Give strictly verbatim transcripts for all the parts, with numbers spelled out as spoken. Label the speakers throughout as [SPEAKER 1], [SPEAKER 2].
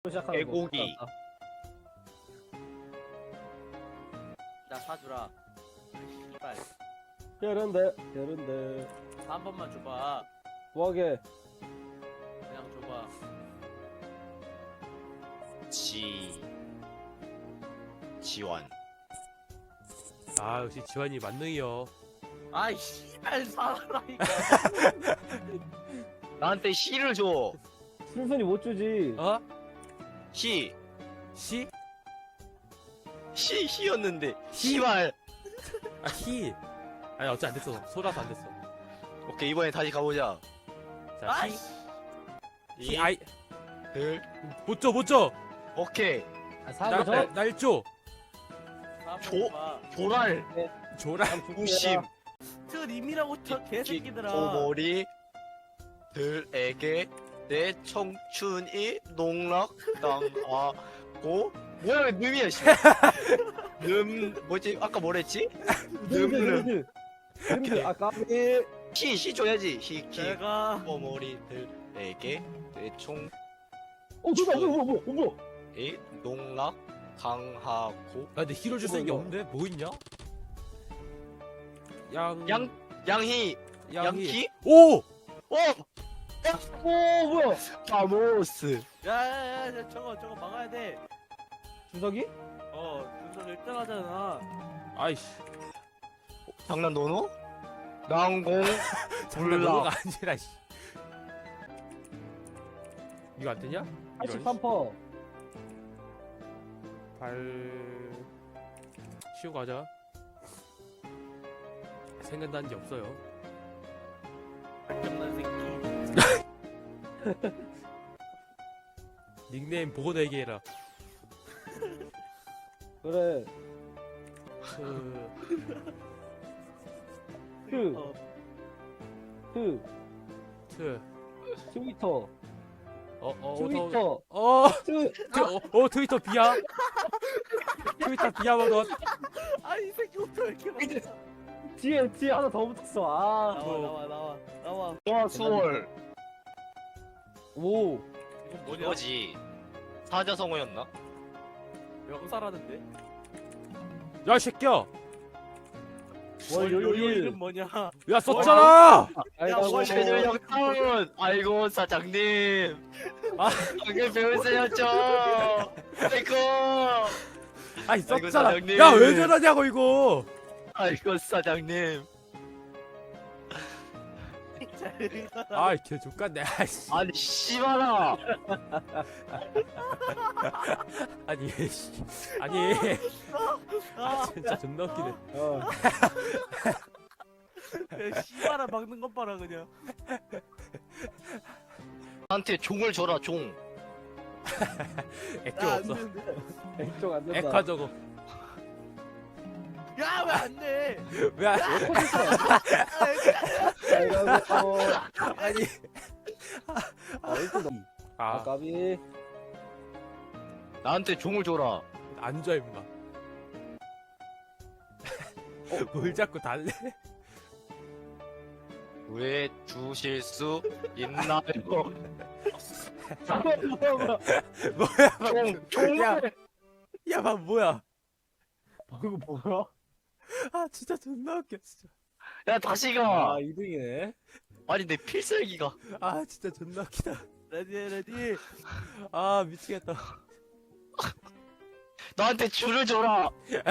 [SPEAKER 1] 시작하는
[SPEAKER 2] 개고기.
[SPEAKER 1] 거.
[SPEAKER 3] 나 사주라. 씨발.
[SPEAKER 1] 게으른데 게으른데
[SPEAKER 3] 한 번만 줘봐.
[SPEAKER 1] 뭐하게.
[SPEAKER 3] 그냥 줘봐.
[SPEAKER 2] 지 지원.
[SPEAKER 4] 아 역시 지환이 만능이요.
[SPEAKER 3] 아이 씨발 사라니까.
[SPEAKER 2] 나한테 시를 줘.
[SPEAKER 1] 순순히 못 주지.
[SPEAKER 4] 어?
[SPEAKER 2] 시.
[SPEAKER 4] 시?
[SPEAKER 2] 시 시였는데 시발.
[SPEAKER 4] 아 히. 아니 어째 안 됐어. 소라서 안 됐어.
[SPEAKER 2] 오케이 이번에 다시 가보자.
[SPEAKER 4] 자
[SPEAKER 3] 아이.
[SPEAKER 4] 히. 히 아이.
[SPEAKER 2] 들.
[SPEAKER 4] 못 줘, 못 줘.
[SPEAKER 2] 오케이.
[SPEAKER 1] 아, 사고 줘.
[SPEAKER 4] 날 줘.
[SPEAKER 2] 조- 조랄.
[SPEAKER 4] 줘라.
[SPEAKER 2] 우심.
[SPEAKER 3] 트림이라고 저 개새끼들아.
[SPEAKER 2] 고머리 들에게 내 청춘이 농락당하고 뭐야 늠이야 씨. 늠 뭐지 아까 뭐랬지?
[SPEAKER 1] 늠드
[SPEAKER 2] 늠
[SPEAKER 1] 늠드 늠드 아까 이
[SPEAKER 2] 시시 줘야지 시키
[SPEAKER 3] 내가
[SPEAKER 2] 고머리들에게 내 청춘이
[SPEAKER 1] 어 누가 뭐뭐 뭐 뭐.
[SPEAKER 2] 농락당하고
[SPEAKER 4] 아 근데 히로 줄 수 있는 게 없는데 뭐 있냐? 양.
[SPEAKER 2] 양 양희
[SPEAKER 4] 양희.
[SPEAKER 2] 양키
[SPEAKER 4] 오.
[SPEAKER 2] 오
[SPEAKER 1] 오 뭐야.
[SPEAKER 2] 바모스
[SPEAKER 3] 야야야 저거 저거 막아야 돼.
[SPEAKER 1] 주석이?
[SPEAKER 3] 어 준석 일 등 하잖아.
[SPEAKER 4] 아이씨.
[SPEAKER 2] 장난 노노 난공
[SPEAKER 4] 장난
[SPEAKER 2] 몰라.
[SPEAKER 4] 너가 아니라 씨. 이거 안 되냐?
[SPEAKER 1] 팔십삼 퍼.
[SPEAKER 4] 발 쉬고 가자. 생각나는 게 없어요.
[SPEAKER 3] 장난 새끼.
[SPEAKER 4] 닉네임 보고 내기해라.
[SPEAKER 1] 그래.
[SPEAKER 4] 그...
[SPEAKER 1] 트.
[SPEAKER 3] 어.
[SPEAKER 1] 트.
[SPEAKER 4] 트.
[SPEAKER 1] 트위터.
[SPEAKER 4] 어, 어,
[SPEAKER 1] 트위터.
[SPEAKER 4] 어,
[SPEAKER 1] 트.
[SPEAKER 4] 트, 어, 어, 트위터 비야. 트위터 비야 먹었.
[SPEAKER 3] 아이 새끼 옷왜 이렇게 많아.
[SPEAKER 1] 뒤에 뒤에 하나 더 붙었어. 아.
[SPEAKER 3] 나와 나와 나와 나와.
[SPEAKER 2] 와 수월
[SPEAKER 1] 오.
[SPEAKER 3] 이건 뭐냐?
[SPEAKER 2] 뭐지 사자성어였나?
[SPEAKER 3] 명사라는데?
[SPEAKER 4] 야, 이 새끼야.
[SPEAKER 1] 월요일.
[SPEAKER 3] 월요일은 뭐냐?
[SPEAKER 4] 야, 썼잖아.
[SPEAKER 1] 아이고.
[SPEAKER 3] 월-
[SPEAKER 2] 최저 영타운 아이고 사장님
[SPEAKER 4] 아.
[SPEAKER 2] 방금 배우세요죠 아이고
[SPEAKER 4] 아이,
[SPEAKER 2] 아이고,
[SPEAKER 4] 썼잖아.
[SPEAKER 2] 사장님.
[SPEAKER 4] 야, 왜 저러냐고 이거.
[SPEAKER 2] 아이고 사장님
[SPEAKER 4] 아, 걔 족같네. 아이씨.
[SPEAKER 2] 아니 씨발아
[SPEAKER 4] 아니, 씨. 아니. 아, 진짜 존나 웃기네.
[SPEAKER 1] 어.
[SPEAKER 3] 야, 씨발아 막는 것 봐라 그냥.
[SPEAKER 2] 나한테 종을 줘라 종
[SPEAKER 4] 액정 없어.
[SPEAKER 1] 액정 안 된다.
[SPEAKER 4] 액화 저거.
[SPEAKER 3] 야왜 안 돼?
[SPEAKER 4] 왜 안-
[SPEAKER 1] 아이고.
[SPEAKER 4] 아니.
[SPEAKER 1] 아 일단
[SPEAKER 4] 아,
[SPEAKER 1] 아까비.
[SPEAKER 2] 나한테 종을 줘라
[SPEAKER 4] 앉아 임마. 뭘 자꾸 달래?
[SPEAKER 2] 왜 주실 수 있나요
[SPEAKER 4] 뭐야?
[SPEAKER 2] 종 종.
[SPEAKER 4] 야, 야, 막 뭐야?
[SPEAKER 1] 방금 뭐야?
[SPEAKER 4] 아, 진짜 존나 웃겨, 진짜.
[SPEAKER 2] 야 다시
[SPEAKER 1] 아
[SPEAKER 2] 가
[SPEAKER 1] 이 등이네.
[SPEAKER 2] 아니 내 필살기가
[SPEAKER 4] 아, 진짜 존나 웃기다.
[SPEAKER 3] 레디 레디.
[SPEAKER 4] 아, 미치겠다.
[SPEAKER 2] 나한테 줄을 줘라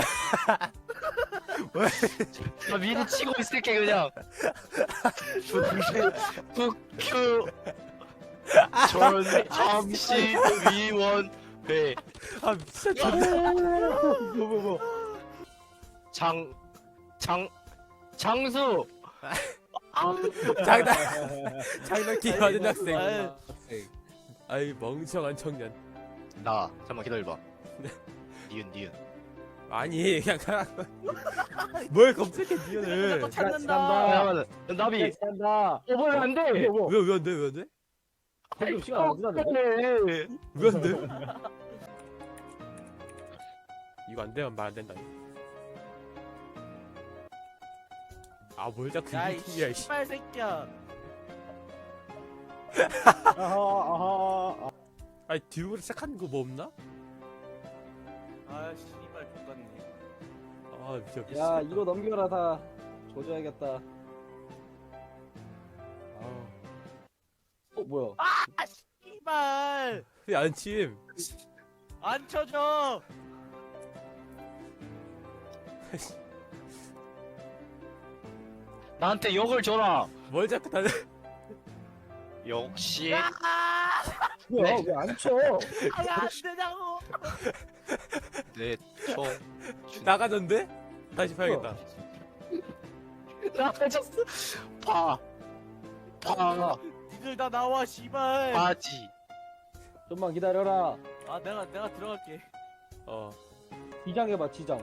[SPEAKER 4] 왜?
[SPEAKER 2] 나 미리 치고 있을게 그냥 국큐 전 잠시 위원회
[SPEAKER 4] 아, 진짜 존나.
[SPEAKER 1] 뭐 뭐.
[SPEAKER 2] 장 장 장수
[SPEAKER 4] 장난, 장난기 받은 학생.
[SPEAKER 3] 아이,
[SPEAKER 4] 아이, 멍청한 청년.
[SPEAKER 2] 나 잠깐만 기다려봐 니은 니은
[SPEAKER 4] 아니, 그냥 가라. 뭘 검색해, 니언을.
[SPEAKER 3] 자꾸 찾는다.
[SPEAKER 2] 잠깐만 나비
[SPEAKER 1] 한다.
[SPEAKER 2] 어 뭐야 안돼
[SPEAKER 1] 뭐 뭐.
[SPEAKER 4] 왜, 왜 안 돼, 왜 안 돼?
[SPEAKER 1] 방금 시간 안 지났네.
[SPEAKER 4] 왜 안 돼? 이거 안 되면 말 안 된다. 아, 뭘 자꾸
[SPEAKER 3] 야이
[SPEAKER 4] 이기야, 이씨.
[SPEAKER 3] 씨발 새끼야.
[SPEAKER 1] 아하 아하.
[SPEAKER 4] 아니 뒤로 시작하는 거 뭐 없나?
[SPEAKER 3] 아 씨발 똑같네.
[SPEAKER 4] 아 미쳐.
[SPEAKER 1] 야 이거 넘겨라 다. 조져야겠다.
[SPEAKER 4] 아,
[SPEAKER 1] 어 뭐야?
[SPEAKER 3] 아 씨발
[SPEAKER 4] 왜 안침?
[SPEAKER 3] 안 쳐져.
[SPEAKER 2] 나한테 욕을 줘라.
[SPEAKER 4] 뭘 자꾸 다들?
[SPEAKER 2] 역시
[SPEAKER 3] 아,
[SPEAKER 1] 뭐야 왜 안 쳐?
[SPEAKER 3] 아니 안 되냐고.
[SPEAKER 2] 내총
[SPEAKER 4] 나가던데? 다시 봐야겠다.
[SPEAKER 2] 나가졌어. 봐. 봐.
[SPEAKER 3] 니들 다 나와 씨발.
[SPEAKER 2] 바지.
[SPEAKER 1] 좀만 기다려라.
[SPEAKER 3] 아 내가 내가 들어갈게.
[SPEAKER 4] 어.
[SPEAKER 1] 지장해봐 지장.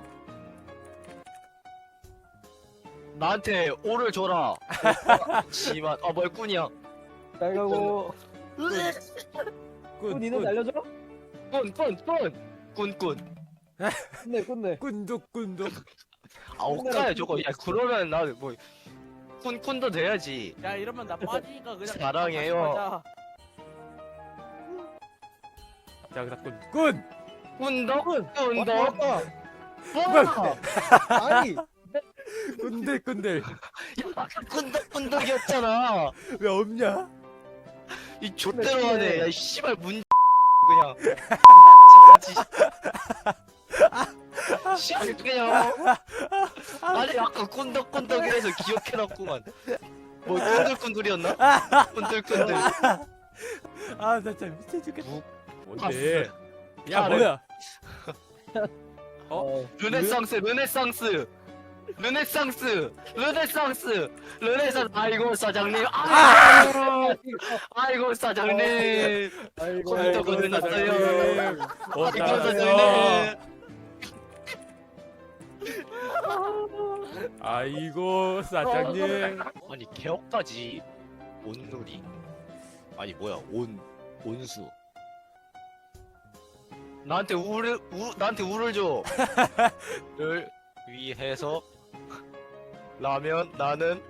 [SPEAKER 2] 나한테 오를 줘라. 씨발. 아 뭘꾼이야.
[SPEAKER 1] 잘 가고.
[SPEAKER 4] 꾼.
[SPEAKER 1] 꾼 니는 날려줘?
[SPEAKER 2] 꾼꾼꾼 꾼꾼.
[SPEAKER 1] 끝내 끝내.
[SPEAKER 4] 꾼둑 꾼둑.
[SPEAKER 2] 아 옷가야 저거. 야 그러면 나는 뭐 꾼꾼도 돼야지.
[SPEAKER 3] 야 이러면 나 빠지니까 그냥
[SPEAKER 2] 사랑해요.
[SPEAKER 3] 다시 가자.
[SPEAKER 4] 자 그다 꾼. 꾼.
[SPEAKER 2] 꾼덕
[SPEAKER 1] 왔다
[SPEAKER 2] 꾼덕.
[SPEAKER 1] 왔다.
[SPEAKER 2] 뭐?
[SPEAKER 1] 아니
[SPEAKER 4] 꾼들 꾼들.
[SPEAKER 2] 야 꾼덕 꾼덕이었잖아.
[SPEAKER 4] 왜 없냐?
[SPEAKER 2] 이 좆대로
[SPEAKER 1] 그래,
[SPEAKER 2] 하네.
[SPEAKER 1] 그래.
[SPEAKER 2] 야, 이 씨발 문 그냥. 씨발 그냥. 아니 아까 꼰덕꼰덕이라서 기억해놨구만. 뭐 꼰들꼰들이었나? 꼰들꼰들.
[SPEAKER 4] 아 나 진짜 미쳐 죽겠다.
[SPEAKER 2] 무-
[SPEAKER 4] 뭔데? 야
[SPEAKER 2] 팔을.
[SPEAKER 4] 뭐야?
[SPEAKER 1] 어.
[SPEAKER 2] 르네상스 르네상스 르네상스 르네상스 르네상스. 아이고 사장님. 아이고 아이고 사장님.
[SPEAKER 1] 아이고
[SPEAKER 2] 컴퓨터
[SPEAKER 1] 아이고,
[SPEAKER 2] 건드렸어요.
[SPEAKER 4] 사장님.
[SPEAKER 2] 아이고
[SPEAKER 4] 어따요?
[SPEAKER 2] 사장님.
[SPEAKER 4] 아이고 사장님.
[SPEAKER 2] 아니 개업까지 온누리. 아니 뭐야 온 온수. 나한테 우를 우 나한테 우를 줘. 를 위해서 라면 나는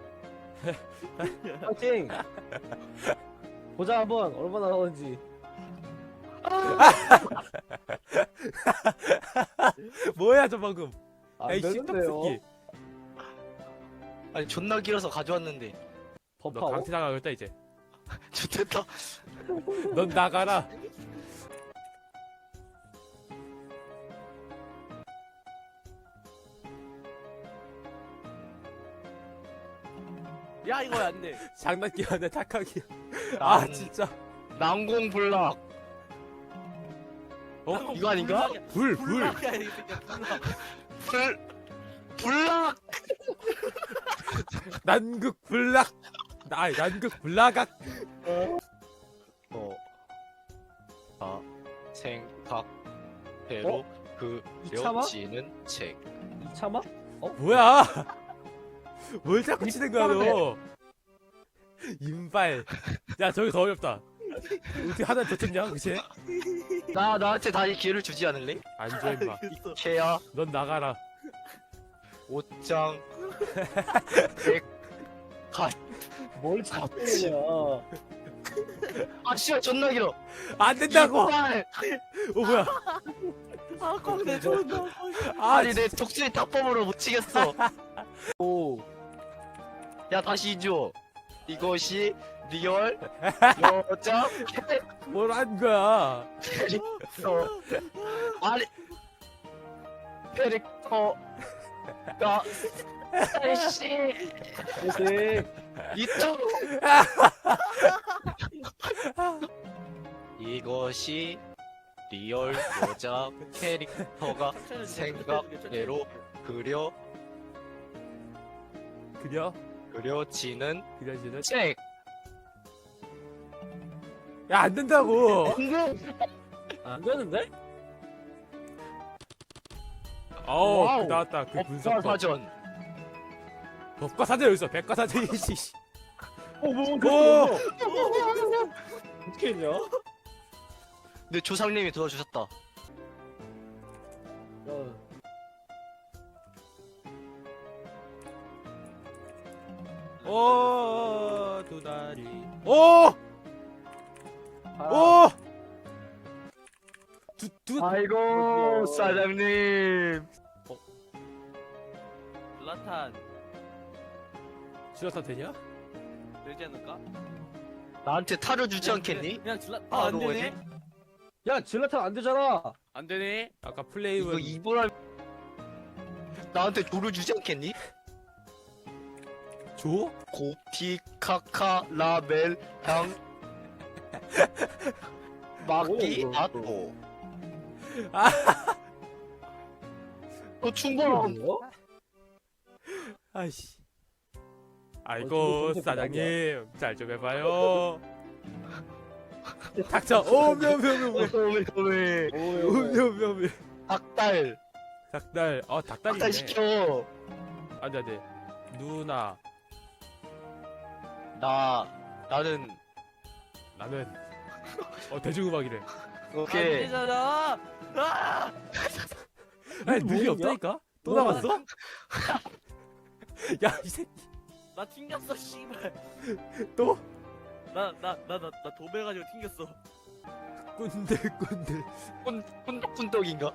[SPEAKER 1] 파이팅. 보자 한번 얼마나 나오는지.
[SPEAKER 4] 뭐야 저 방금?
[SPEAKER 1] 안
[SPEAKER 4] 야이
[SPEAKER 1] 되는데요.
[SPEAKER 4] 씹덕새끼.
[SPEAKER 2] 아니 존나 길어서 가져왔는데.
[SPEAKER 4] 너
[SPEAKER 1] 버파워.
[SPEAKER 4] 강퇴 당하겠다 이제.
[SPEAKER 2] 좋겠다.
[SPEAKER 4] 넌 나가라.
[SPEAKER 3] 야 이거 안 돼.
[SPEAKER 4] 장난기야 내 착하기야. 아
[SPEAKER 2] 난-
[SPEAKER 4] 진짜.
[SPEAKER 2] 난공불락.
[SPEAKER 4] 어?
[SPEAKER 2] 이거 아닌가?
[SPEAKER 4] 불 불.
[SPEAKER 3] 불락이야 이 새끼야 불락.
[SPEAKER 2] 불 불락.
[SPEAKER 4] 난극 불락. 나 난극 불락악.
[SPEAKER 2] 어. 아 생각대로
[SPEAKER 1] 이참아?
[SPEAKER 2] 그려지는 책.
[SPEAKER 1] 이참아?
[SPEAKER 4] 뭐야? 뭘 자꾸 치는 거야 너? 인발. 야 저기 더 어렵다. 어떻게 하나 더 쳤냐 그치?
[SPEAKER 2] 나 나한테 다시 기회를 주지 않을래?
[SPEAKER 4] 안줘 임마.
[SPEAKER 3] 알겠어.
[SPEAKER 2] 케야
[SPEAKER 4] 넌 나가라.
[SPEAKER 2] 옷장 백
[SPEAKER 1] 뭘 자꾸 그러냐.
[SPEAKER 2] 아 씨발 존나 길어.
[SPEAKER 4] 안 된다고.
[SPEAKER 2] 이빨.
[SPEAKER 4] 어 뭐야?
[SPEAKER 3] 아 꽁내 존나.
[SPEAKER 4] 아
[SPEAKER 2] 아니 내 독수리 탁법으로 못 치겠어.
[SPEAKER 1] 오.
[SPEAKER 2] 야 다시 줘. 이것이 리얼 여자
[SPEAKER 4] 뭘 한 거야?
[SPEAKER 2] 캐릭터. 아니 캐릭터가 아이씨
[SPEAKER 1] 파이팅.
[SPEAKER 2] 이쪽. 이것이 리얼 여자 캐릭터가 생각대로 그려
[SPEAKER 4] 그려?
[SPEAKER 2] 그려지는
[SPEAKER 4] 그려지는?
[SPEAKER 2] 책.
[SPEAKER 4] 야 안 된다고.
[SPEAKER 1] 안 되는데?
[SPEAKER 4] 어우
[SPEAKER 1] 와우.
[SPEAKER 4] 그 나왔다. 그 분석법.
[SPEAKER 2] 법과사전.
[SPEAKER 4] 법과사전 여기 있어. 백과사전이지.
[SPEAKER 1] 어, 뭐,
[SPEAKER 4] 오!
[SPEAKER 1] 뭐, 어떻게 했냐?
[SPEAKER 2] 내 조상님이 도와주셨다.
[SPEAKER 1] 어.
[SPEAKER 4] 오, 두 다리. 오!
[SPEAKER 1] 봐라.
[SPEAKER 4] 오! 두두
[SPEAKER 2] 아이고 사장님.
[SPEAKER 3] 질라탄
[SPEAKER 4] 지라탄 되냐?
[SPEAKER 3] 되지 않을까?
[SPEAKER 2] 나한테 타를 주지 않겠니?
[SPEAKER 3] 그냥 질라
[SPEAKER 2] 아,
[SPEAKER 3] 아안
[SPEAKER 2] 너무
[SPEAKER 3] 되네.
[SPEAKER 1] 야 질라탄 안 되잖아.
[SPEAKER 3] 안 되네.
[SPEAKER 4] 아까
[SPEAKER 2] 이거
[SPEAKER 4] 플레임은
[SPEAKER 2] 이보라 나한테 조를 주지 않겠니?
[SPEAKER 4] 줘?
[SPEAKER 2] 고티 카카 라멜 향 마키
[SPEAKER 1] 오,
[SPEAKER 2] 아토.
[SPEAKER 4] 아.
[SPEAKER 2] 너 충분함.
[SPEAKER 1] 뭐야?
[SPEAKER 4] 아이씨.
[SPEAKER 1] 어,
[SPEAKER 4] 아이고
[SPEAKER 1] 지금
[SPEAKER 4] 사장님 잘 좀 해봐요. 닥쳐. 오 묘묘묘묘.
[SPEAKER 2] 오메오메
[SPEAKER 4] 묘묘묘묘.
[SPEAKER 2] 닭달
[SPEAKER 4] 닭달. 어 닭달이네.
[SPEAKER 2] 닭달 시켜.
[SPEAKER 4] 안돼 안돼. 누나
[SPEAKER 2] 나 나는
[SPEAKER 4] 나는 어 대중음악이래.
[SPEAKER 3] 안
[SPEAKER 2] 오케이.
[SPEAKER 3] 되잖아. 아!
[SPEAKER 4] 아니 눈이
[SPEAKER 1] 뭐냐?
[SPEAKER 4] 없다니까? 또
[SPEAKER 1] 뭐야?
[SPEAKER 4] 남았어? 야 이 새끼
[SPEAKER 3] 나 튕겼어 씨발.
[SPEAKER 4] 또?
[SPEAKER 3] 나나나나 나 도배가지고 튕겼어.
[SPEAKER 4] 꾼들꾼들
[SPEAKER 2] 꾼꾼덕꾼덕인가?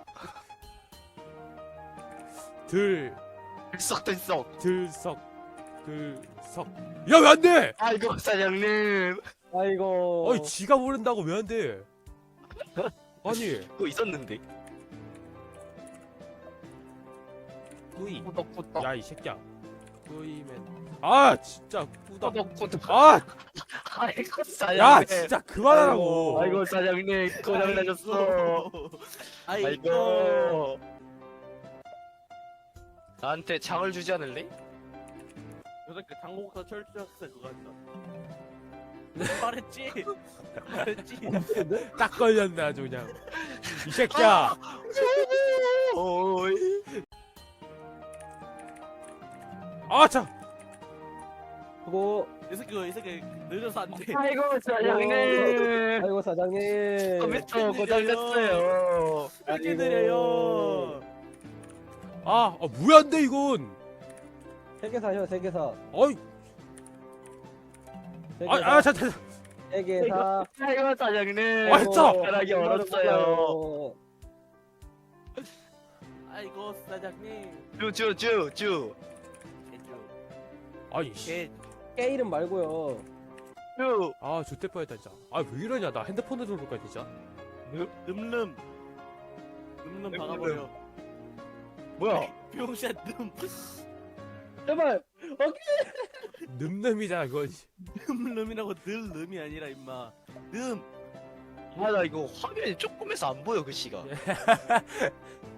[SPEAKER 4] 들
[SPEAKER 2] 들썩들썩.
[SPEAKER 4] 들석 들석 야 왜 안돼?
[SPEAKER 2] 아이고 사장님.
[SPEAKER 1] 아이고.
[SPEAKER 4] 아니 지가 모른다고 왜 안돼? 아니
[SPEAKER 2] 그거 있었는데.
[SPEAKER 4] 꾸이
[SPEAKER 2] 꾸덕꾸덕.
[SPEAKER 4] 야 이 새끼야 꾸이맨 아 진짜 꾸덕
[SPEAKER 2] 꾸덕꾸덕.
[SPEAKER 4] 아야
[SPEAKER 2] 아이고 사장님.
[SPEAKER 4] 진짜 그만하라고.
[SPEAKER 2] 아이고 사장님 고장 나셨어.
[SPEAKER 3] 아이고.
[SPEAKER 2] 아이고. 나한테 장을 주지 않을래?
[SPEAKER 3] 요새 그 당곡사 철저학생 그거 한다. 말했지. 말했지.
[SPEAKER 4] 딱 걸렸네 아주 그냥 이 새끼야.
[SPEAKER 2] 오이.
[SPEAKER 4] 아참
[SPEAKER 1] 그거.
[SPEAKER 3] 이 새끼 이 새끼 늦어서 안 돼.
[SPEAKER 2] 아이고 사장님.
[SPEAKER 1] 아이고 사장님.
[SPEAKER 2] 컴퓨터 고장 났어요.
[SPEAKER 3] 이렇게
[SPEAKER 1] 아이고.
[SPEAKER 3] 느려요.
[SPEAKER 4] 아, 아 뭐야 안돼 이건.
[SPEAKER 1] 세개 사요 세 개 사.
[SPEAKER 4] 어이
[SPEAKER 1] 세 개 사.
[SPEAKER 4] 아아 잠깐
[SPEAKER 1] 세 개 사.
[SPEAKER 2] 아이고 사장님.
[SPEAKER 4] 아, 진짜.
[SPEAKER 2] 편하기 어렵어요.
[SPEAKER 3] 아이고 사장님.
[SPEAKER 2] 쭈쭈쭈쭈.
[SPEAKER 4] 아이 씨.
[SPEAKER 3] 개
[SPEAKER 1] 깨 이름 말고요.
[SPEAKER 2] 쭈.
[SPEAKER 4] 아 좋대 뻔했다 진짜. 아 왜 이러냐 나 핸드폰으로 그럴 거야 진짜.
[SPEAKER 3] 늠름. 늠름 박아버려.
[SPEAKER 2] 뭐야?
[SPEAKER 3] 비용샷 늠.
[SPEAKER 1] 제발.
[SPEAKER 4] 늠름이잖아 그건.
[SPEAKER 3] 늠름이라고 늘 늠이 아니라 임마. 늠.
[SPEAKER 2] 아 나 이거 화면이 조금해서 안 보여 그 시가.